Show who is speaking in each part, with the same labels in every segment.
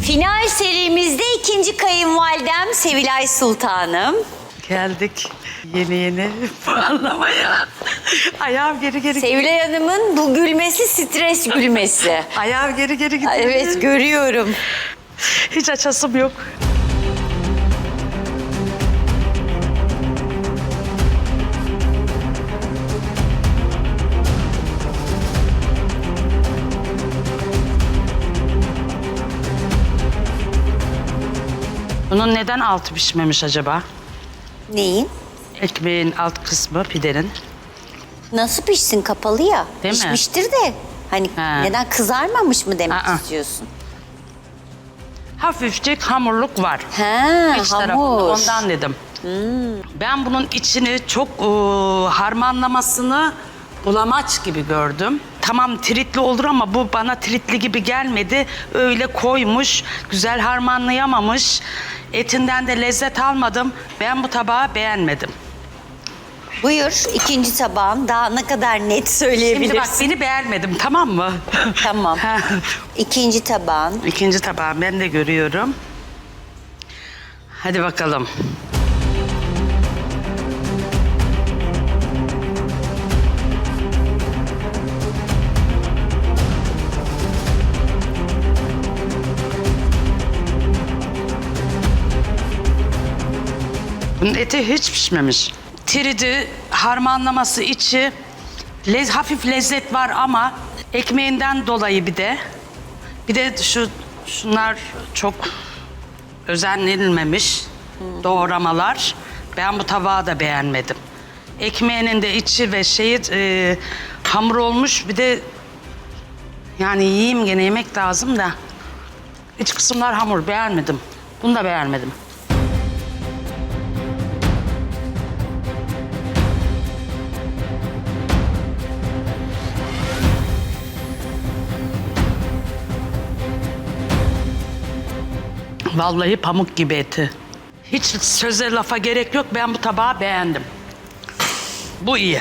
Speaker 1: Final serimizde ikinci kayınvalidem Sevilay Sultanım.
Speaker 2: Geldik yeni puanlamaya. Ayağım geri gidiyor.
Speaker 1: Sevilay Hanım'ın bu gülmesi stres gülmesi.
Speaker 2: Ayağım geri gidiyor.
Speaker 1: Evet, görüyorum.
Speaker 2: Hiç açasım yok. Bunun neden altı pişmemiş acaba?
Speaker 1: Neyin?
Speaker 2: Ekmeğin alt kısmı pidenin.
Speaker 1: Nasıl pişsin, kapalı ya?
Speaker 2: Değil mi?
Speaker 1: Pişmiştir de. Hani
Speaker 2: Ha.
Speaker 1: neden, kızarmamış mı demek
Speaker 2: Aa.
Speaker 1: istiyorsun?
Speaker 2: Hafifçe hamurluk var.
Speaker 1: Ha,
Speaker 2: İç tarafında,
Speaker 1: hamur.
Speaker 2: ondan dedim. Ben bunun içini çok harmanlamasını bulamaç gibi gördüm. Tamam tritli olur ama bu bana tritli gibi gelmedi. Öyle koymuş, güzel harmanlayamamış. Etinden de lezzet almadım. Ben bu tabağı beğenmedim.
Speaker 1: Buyur, ikinci tabağın. Daha ne kadar net söyleyebilirsin?
Speaker 2: Şimdi bak beni beğenmedim, tamam mı?
Speaker 1: Tamam.
Speaker 2: Ha.
Speaker 1: İkinci tabağın.
Speaker 2: İkinci tabağı ben de görüyorum. Hadi bakalım. Bunun eti hiç pişmemiş. Tridi, harmanlaması içi, hafif lezzet var ama ekmeğinden dolayı bir de şunlar çok özenlenilmemiş doğramalar. Ben bu tabağı da beğenmedim. Ekmeğinin de içi ve hamur olmuş, bir de yani yiyeyim gene, yemek lazım da iç kısımlar hamur, beğenmedim. Bunu da beğenmedim. Vallahi pamuk gibi eti. Hiç söze lafa gerek yok. Ben bu tabağı beğendim. Bu iyi.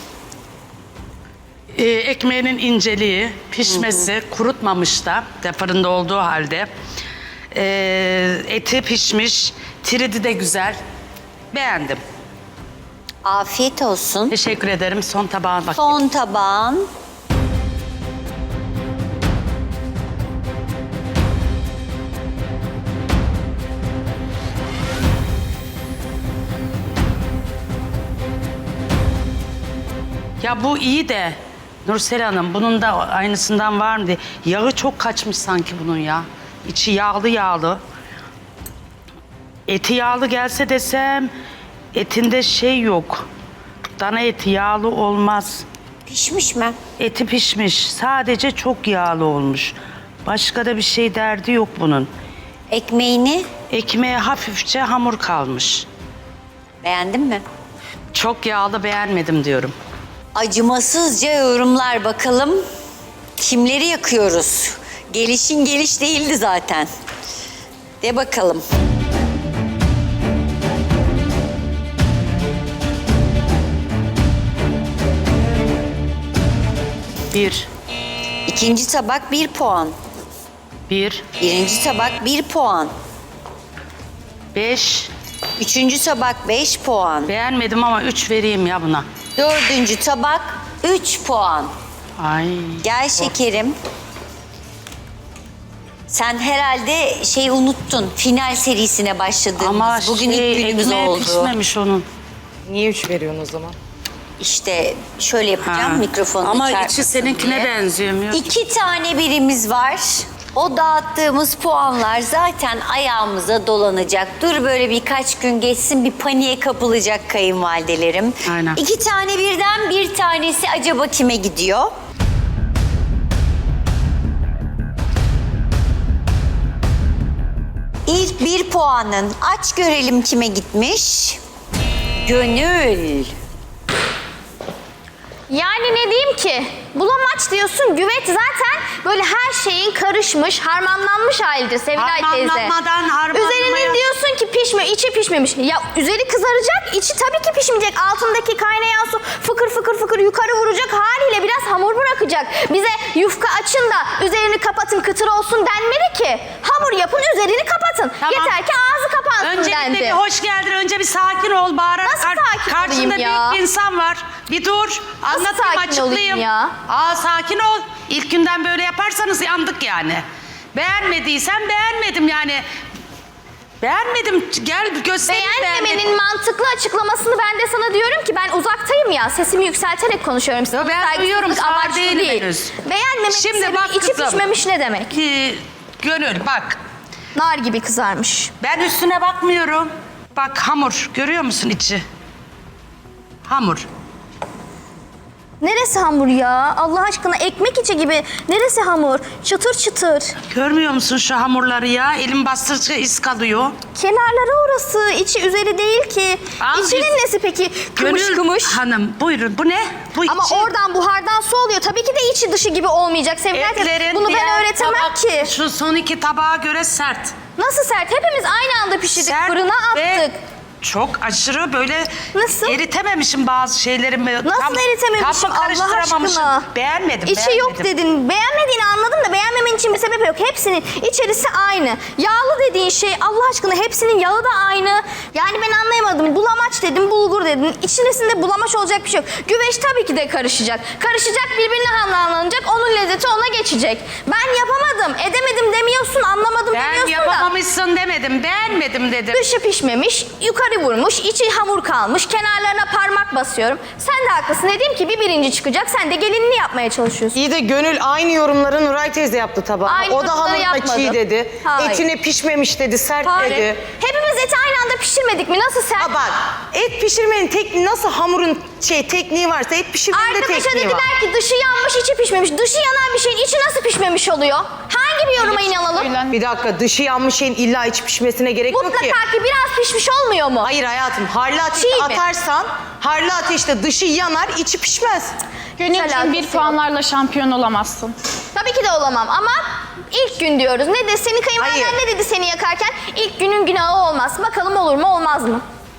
Speaker 2: Ekmeğinin inceliği, pişmesi, kurutmamış da fırında olduğu halde. Eti pişmiş, tridi de güzel. Beğendim.
Speaker 1: Afiyet olsun.
Speaker 2: Teşekkür ederim. Son tabağa bak.
Speaker 1: Son tabağın.
Speaker 2: Ya bu iyi de Nursel Hanım, bunun da aynısından var mı diye. Yağı çok kaçmış sanki bunun ya. İçi yağlı yağlı. Eti yağlı gelse desem etinde yok. Dana eti yağlı olmaz.
Speaker 1: Pişmiş mi?
Speaker 2: Eti pişmiş. Sadece çok yağlı olmuş. Başka da bir şey derdi yok bunun.
Speaker 1: Ekmeğini
Speaker 2: Ekmeğe hafifçe hamur kalmış.
Speaker 1: beğendin mi?
Speaker 2: Çok yağlı, beğenmedim diyorum.
Speaker 1: Acımasızca yorumlar bakalım. Kimleri yakıyoruz? Gelişin geliş değildi zaten. De bakalım.
Speaker 2: Bir,
Speaker 1: İkinci tabak 1 puan.
Speaker 2: bir,
Speaker 1: Birinci tabak 1 puan.
Speaker 2: 5.
Speaker 1: Üçüncü tabak 5 puan.
Speaker 2: Beğenmedim ama 3 vereyim ya buna.
Speaker 1: Dördüncü tabak 3 puan.
Speaker 2: Ay.
Speaker 1: Gel şekerim. Sen herhalde unuttun. Final serisine başladığımız.
Speaker 2: Ama
Speaker 1: Bugün ilk günümüz
Speaker 2: ekmeği
Speaker 1: oldu.
Speaker 2: pişmemiş onun.
Speaker 3: Niye 3 veriyorsun o zaman?
Speaker 1: İşte şöyle yapacağım,
Speaker 2: Ha.
Speaker 1: mikrofonu
Speaker 2: Ama
Speaker 1: çarpmasın
Speaker 2: içi seninkine
Speaker 1: diye.
Speaker 2: benzemiyor.
Speaker 1: 2 tane birimiz var. O dağıttığımız puanlar zaten ayağımıza dolanacak. Dur böyle birkaç gün geçsin, bir paniğe kapılacak kayınvalidelerim.
Speaker 2: Aynen.
Speaker 1: 2 tane birden bir tanesi acaba kime gidiyor? İlk 1 puanın aç görelim kime gitmiş. Gönül.
Speaker 4: Yani ne diyeyim ki? Bulamaç diyorsun, güveç zaten böyle her şeyin karışmış, harmanlanmış halidir Sevilay teyze.
Speaker 2: Harmanlamadan harmanlamaya...
Speaker 4: Üzerinin diyorsun ki pişmiyor, içi pişmemiş. Ya üzeri kızaracak, içi tabii ki pişmeyecek. Altındaki kaynayan su fıkır fıkır fıkır yukarı vuracak haliyle biraz hamur bırakacak. Bize yufka açın da üzerini kapatın kıtır olsun denmedi ki. Hamur yapın, üzerini kapatın.
Speaker 2: Tamam.
Speaker 4: Yeter ki ağzı kapansın
Speaker 2: Öncelikle
Speaker 4: dendi.
Speaker 2: bir hoş geldin. Önce bir sakin ol. Bağırarak
Speaker 4: Nasıl sakin
Speaker 2: karşında
Speaker 4: olayım ya?
Speaker 2: büyük bir insan var. Bir dur. Anlatayım,
Speaker 4: sakin
Speaker 2: açıklayayım.
Speaker 4: olayım ya?
Speaker 2: Sakin ol. İlk günden böyle yaparsanız yandık yani. Beğenmediysen beğenmedim yani. Beğenmedim. Gel göstereyim
Speaker 4: Beğenmemenin mantıklı açıklamasını ben de sana diyorum ki ben uzaktayım ya sesimi yükselterek konuşuyorum.
Speaker 2: Yo, ben
Speaker 4: Saygısızlık
Speaker 2: duyuyorum, sağır
Speaker 4: amaçlı
Speaker 2: değilim
Speaker 4: değil.
Speaker 2: henüz.
Speaker 4: Beğenmemenin
Speaker 2: Şimdi
Speaker 4: sebebi
Speaker 2: bak
Speaker 4: içi
Speaker 2: kızım.
Speaker 4: pişmemiş ne demek?
Speaker 2: Gönül bak.
Speaker 4: Nar gibi kızarmış.
Speaker 2: Ben üstüne bakmıyorum. Bak hamur. Görüyor musun içi? Hamur.
Speaker 4: Neresi hamur ya? Allah aşkına ekmek içi gibi. Neresi hamur? Çıtır çıtır.
Speaker 2: Görmüyor musun şu hamurları ya? Elim bastırdıkça iz kalıyor.
Speaker 4: Kenarları orası. İçi üzeri değil ki.
Speaker 2: Al
Speaker 4: İçinin
Speaker 2: biz-
Speaker 4: nesi peki? Kımış
Speaker 2: Gönül
Speaker 4: kımış.
Speaker 2: Hanım buyurun. Bu ne? Bu
Speaker 4: Ama
Speaker 2: içi.
Speaker 4: oradan buhardan su oluyor. Tabii ki de içi dışı gibi olmayacak. Sevilay teyze,
Speaker 2: Etlerin
Speaker 4: bunu ben
Speaker 2: diğer
Speaker 4: öğretemem
Speaker 2: tabak-
Speaker 4: ki.
Speaker 2: Şu son iki tabağa göre sert.
Speaker 4: Nasıl sert? Hepimiz aynı anda pişirdik.
Speaker 2: Sert
Speaker 4: Fırına
Speaker 2: ve
Speaker 4: attık.
Speaker 2: çok aşırı böyle
Speaker 4: Nasıl?
Speaker 2: eritememişim bazı şeylerimi.
Speaker 4: Nasıl eritememişim
Speaker 2: tam
Speaker 4: Allah
Speaker 2: karıştıramamışım.
Speaker 4: aşkına?
Speaker 2: Beğenmedim.
Speaker 4: İçi yok dedin. Beğenmediğini anladım da beğenmemen için bir sebep yok. Hepsinin içerisi aynı. Yağlı dediğin şey Allah aşkına hepsinin yağı da aynı. Yani ben anlayamadım. Bulamaç dedin, bulgur dedin. İçerisinde bulamaç olacak bir şey yok. Güveç tabii ki de karışacak. Karışacak, birbirine harmanlanacak. Onun lezzeti ona geçecek. Ben yapamadım, edemedim demiyorsun, anlamadım
Speaker 2: Ben
Speaker 4: demiyorsun da.
Speaker 2: yapamamışsın demedim. Beğenmedim dedim.
Speaker 4: Dışı pişmemiş, yukarı vurmuş, içi hamur kalmış, kenarlarına parmak basıyorum. Sen de haklısın dedim ki bir birinci çıkacak, sen de gelinini yapmaya çalışıyorsun.
Speaker 3: İyi de Gönül aynı yorumları Nuray teyze yaptı tabağa.
Speaker 4: Aynı
Speaker 3: O da
Speaker 4: yorumları
Speaker 3: hamuruna
Speaker 4: yapmadım.
Speaker 3: çiğ dedi.
Speaker 4: Hayır.
Speaker 3: Etine pişmemiş dedi, sert
Speaker 4: Hayır.
Speaker 3: dedi.
Speaker 4: Hepimiz eti aynı anda pişirmedik mi? Nasıl sen?
Speaker 3: Ha bak, et pişirmenin tekniği nasıl hamurun tekniği varsa et pişirmenin de
Speaker 4: Arkadaşa
Speaker 3: tekniği var.
Speaker 4: dediler ki dışı yanmış, içi pişmemiş. Dışı yanan bir şeyin içi nasıl pişmemiş oluyor? Hangi bir yoruma inanalım?
Speaker 3: Bir dakika, dışı yanmış şeyin illa iç pişmesine gerek yok ki.
Speaker 4: Mutlaka ki biraz pişmiş olmuyor mu?
Speaker 3: Hayır hayatım, harlı ateşte
Speaker 4: Çiğ mi?
Speaker 3: atarsan, harlı ateşte dışı yanar, içi pişmez.
Speaker 4: Alakası
Speaker 5: Gönülcüğüm bir
Speaker 4: yok.
Speaker 5: puanlarla şampiyon olamazsın.
Speaker 4: Tabii ki de olamam ama ilk gün diyoruz. Ne de senin kayınvaliden
Speaker 3: Hayır.
Speaker 4: ne dedi seni yakarken? İlk günün günahı olmaz. Bakalım olur mu olmaz mı?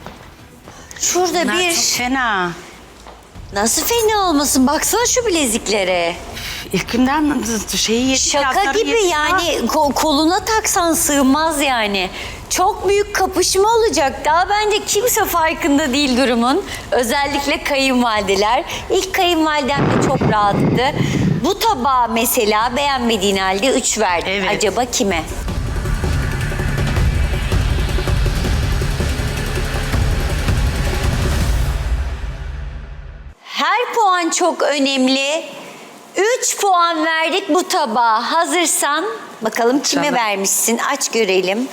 Speaker 1: Şurada
Speaker 2: Bunlar
Speaker 1: bir...
Speaker 2: çok fena.
Speaker 1: Nasıl fena olmasın? Baksana şu bileziklere.
Speaker 2: İlk günden şeyi yedi.
Speaker 1: Şaka
Speaker 2: yazları
Speaker 1: gibi
Speaker 2: yedi.
Speaker 1: yani koluna taksan sığmaz yani. Çok büyük kapışma olacak. Daha bence kimse farkında değil durumun. Özellikle kayınvalideler. İlk kayınvalidem de çok rahattı. Bu tabağa mesela beğenmediğin halde 3 verdi.
Speaker 2: Evet.
Speaker 1: Acaba kime? Her puan çok önemli. 3 puan verdik bu tabağa. Hazırsan bakalım kime
Speaker 2: İnşallah.
Speaker 1: vermişsin? Aç görelim.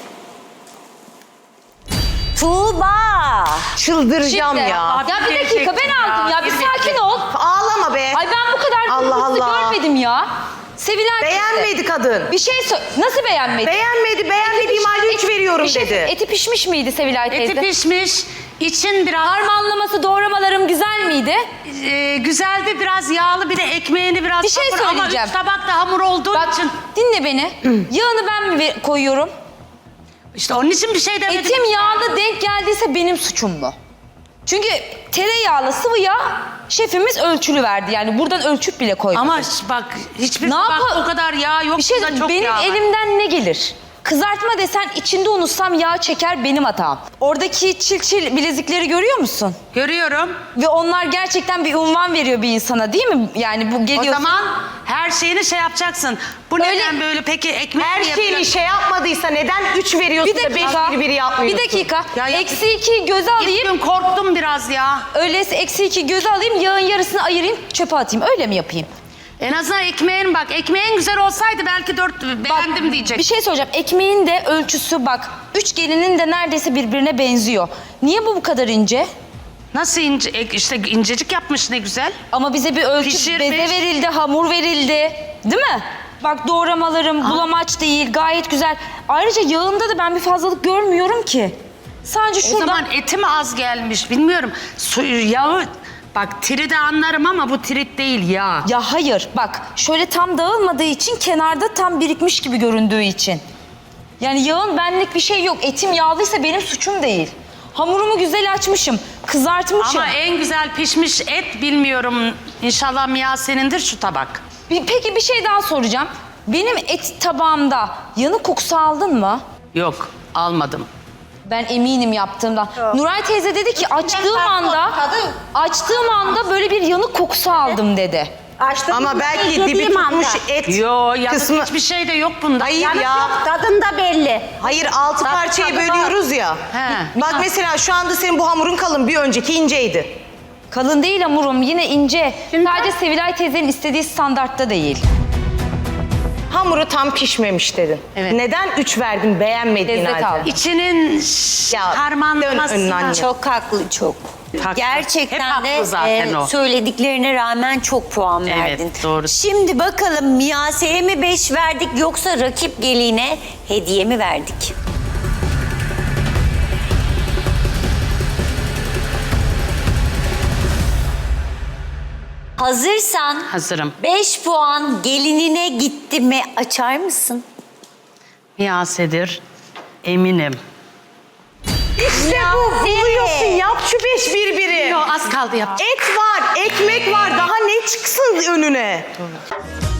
Speaker 1: Tuğba.
Speaker 3: Çıldıracağım ya.
Speaker 6: Ya bir dakika ben aldım ya bir sakin ol.
Speaker 3: Ağlama be.
Speaker 6: Ay ben bu kadar
Speaker 3: Allah
Speaker 6: hızlı
Speaker 3: Allah.
Speaker 6: görmedim ya. Sevilay teyze.
Speaker 3: Beğenmedi kadın.
Speaker 6: Bir şey nasıl beğenmedi?
Speaker 3: Beğenmediğim halde 3 veriyorum
Speaker 6: bir şey,
Speaker 3: dedi.
Speaker 6: Eti pişmiş miydi Sevilay teyze?
Speaker 2: Eti pişmiş. İçin biraz
Speaker 6: Harmanlaması, doğramalarım güzel miydi?
Speaker 2: güzeldi, biraz yağlı, bir de ekmeğini biraz
Speaker 6: Bir şey
Speaker 2: hamur. Ama
Speaker 6: söyleyeceğim.
Speaker 2: 3 tabak da hamur olduğu
Speaker 6: Bak
Speaker 2: için.
Speaker 6: dinle beni. Yağını ben mi koyuyorum?
Speaker 2: İşte onun için bir şey demedim.
Speaker 6: Etim yağlı denk geldiyse benim suçum mu? Çünkü tereyağlı sıvı yağ şefimiz ölçülü verdi. Yani buradan ölçüp bile koymadı.
Speaker 2: Ama bak hiçbir
Speaker 6: Ne
Speaker 2: tabak
Speaker 6: yapa-
Speaker 2: o kadar yağ yok.
Speaker 6: Bir şey
Speaker 2: burada çok
Speaker 6: benim
Speaker 2: yağ var.
Speaker 6: elimden ne gelir? Kızartma desen içinde unutsam yağ çeker benim hatam. Oradaki çil bilezikleri görüyor musun?
Speaker 2: Görüyorum.
Speaker 6: Ve onlar gerçekten bir unvan veriyor bir insana değil mi? Yani bu
Speaker 2: O
Speaker 6: geliyor.
Speaker 2: zaman her şeyini şey yapacaksın. Bu
Speaker 6: Öyle-
Speaker 2: neden böyle peki ekmek
Speaker 3: Her
Speaker 2: mi
Speaker 3: şeyini
Speaker 2: yapacaksın?
Speaker 3: şey yapmadıysa neden 3 veriyorsun
Speaker 6: bir
Speaker 3: da 5
Speaker 6: dakika.
Speaker 3: biri yapmıyorsun?
Speaker 6: Bir dakika.
Speaker 2: Ya yap-
Speaker 6: Eksi 2 göze
Speaker 2: İlk
Speaker 6: alayım.
Speaker 2: gün korktum biraz ya.
Speaker 6: Öyleyse eksi 2 göze alayım. Yağın yarısını ayırayım. Çöpe atayım. Öyle mi yapayım?
Speaker 2: En azından ekmeğin bak. Ekmeğin güzel olsaydı belki 4 beğendim diyecek.
Speaker 6: Bir şey söyleyeceğim. Ekmeğin de ölçüsü bak. 3 gelinin de neredeyse birbirine benziyor. Niye bu kadar ince?
Speaker 2: Nasıl ince, işte incecik yapmış ne güzel.
Speaker 6: Ama bize bir ölçü
Speaker 2: Pişirmiş.
Speaker 6: beze verildi, hamur verildi. Değil mi? Bak doğramalarım bulamaç değil, gayet güzel. Ayrıca yağında da ben bir fazlalık görmüyorum ki. Sadece
Speaker 2: O
Speaker 6: şuradan
Speaker 2: zaman eti mi az gelmiş bilmiyorum. Yağı Bak tridi anlarım ama bu trit değil ya.
Speaker 6: Ya hayır bak şöyle tam dağılmadığı için kenarda tam birikmiş gibi göründüğü için. Yani yağın benlik bir şey yok. Etim yağlıysa benim suçum değil. Hamurumu güzel açmışım, kızartmışım.
Speaker 2: Ama en güzel pişmiş et bilmiyorum. İnşallah Miyase'nindir şu tabak.
Speaker 6: Peki bir şey daha soracağım. Benim et tabağımda yanık kokusu aldın mı?
Speaker 2: Yok almadım.
Speaker 6: Ben eminim yaptığımdan. Nuray teyze dedi ki açtığım anda böyle bir yanık kokusu aldım dedi.
Speaker 3: Ama belki dibi tutmuş et
Speaker 2: Yo ya
Speaker 3: kısmı.
Speaker 2: hiçbir şey de yok bunda.
Speaker 3: Hayır ya.
Speaker 7: Tadında belli.
Speaker 3: Hayır 6 parçaya bölüyoruz ya.
Speaker 2: He.
Speaker 3: Bak mesela şu anda senin bu hamurun kalın, bir önceki inceydi.
Speaker 6: Kalın değil hamurum, yine ince. Sadece Sevilay teyzenin istediği standartta değil.
Speaker 3: Hamuru tam pişmemiş dedin.
Speaker 2: Evet.
Speaker 3: Neden 3 verdin beğenmediğin
Speaker 6: Lezzet
Speaker 3: halde?
Speaker 6: aldım.
Speaker 2: İçinin
Speaker 3: Ya,
Speaker 2: harmanlaması.
Speaker 3: dön önüne anne.
Speaker 1: Çok haklı, çok.
Speaker 2: Haklı.
Speaker 1: Gerçekten
Speaker 2: Hep haklı
Speaker 1: de
Speaker 2: zaten o.
Speaker 1: söylediklerine rağmen çok puan
Speaker 2: Evet,
Speaker 1: verdin.
Speaker 2: doğru.
Speaker 1: Şimdi bakalım Miyase'ye mi 5 verdik yoksa rakip geline hediye mi verdik? Hazırsan
Speaker 2: Hazırım.
Speaker 1: 5 puan gelinine gitti mi açar mısın?
Speaker 2: Miyase'dir eminim.
Speaker 3: İşte bu, buluyorsun. Yap şu 5 birbiri.
Speaker 2: Yo az kaldı yap.
Speaker 3: Et var, ekmek var. Daha ne çıksın önüne?